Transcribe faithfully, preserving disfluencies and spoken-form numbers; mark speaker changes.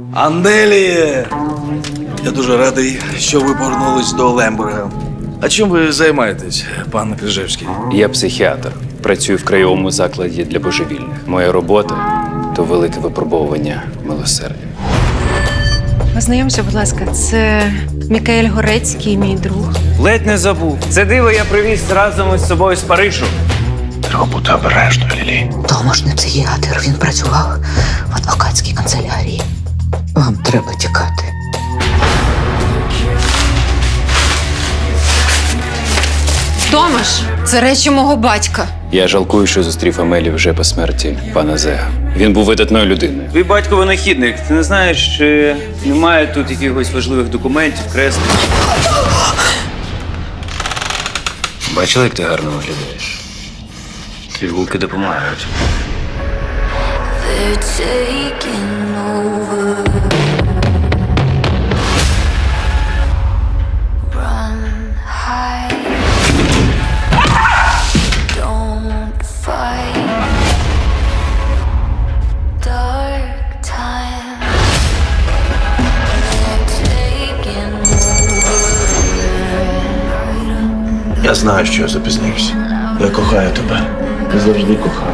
Speaker 1: Анделі! Я дуже радий, що ви повернулись до Лембурга. А чим ви займаєтесь, пан Крижевський?
Speaker 2: Я психіатр. Працюю в краєвому закладі для божевільних. Моя робота то велике випробовування милосердя.
Speaker 3: Познайомся, будь ласка, це Мікаель Горецький, мій друг.
Speaker 2: Ледь не забув. Це диво я привіз разом із собою з Парижу.
Speaker 1: Треба бути обережною, Лілі.
Speaker 4: Томаш не психіатр, він працював в адвокатській канцелярії. Вам треба тікати.
Speaker 3: Томаш, це речі мого батька.
Speaker 2: Я жалкую, що зустрів Амелі вже по смерті пана Зега. Він був видатною людиною. Твій батько винахідник. Ти не знаєш, чи немає тут якихось важливих документів, креслень? Бачила, як ти гарно виглядаєш? Пігулки допомагають.
Speaker 5: They're taking over. Run, hide. Don't fight. Dark time. They're taking over.
Speaker 1: Я знаю, що я запізнився. Я кохаю тебе. Я завжди кохаю.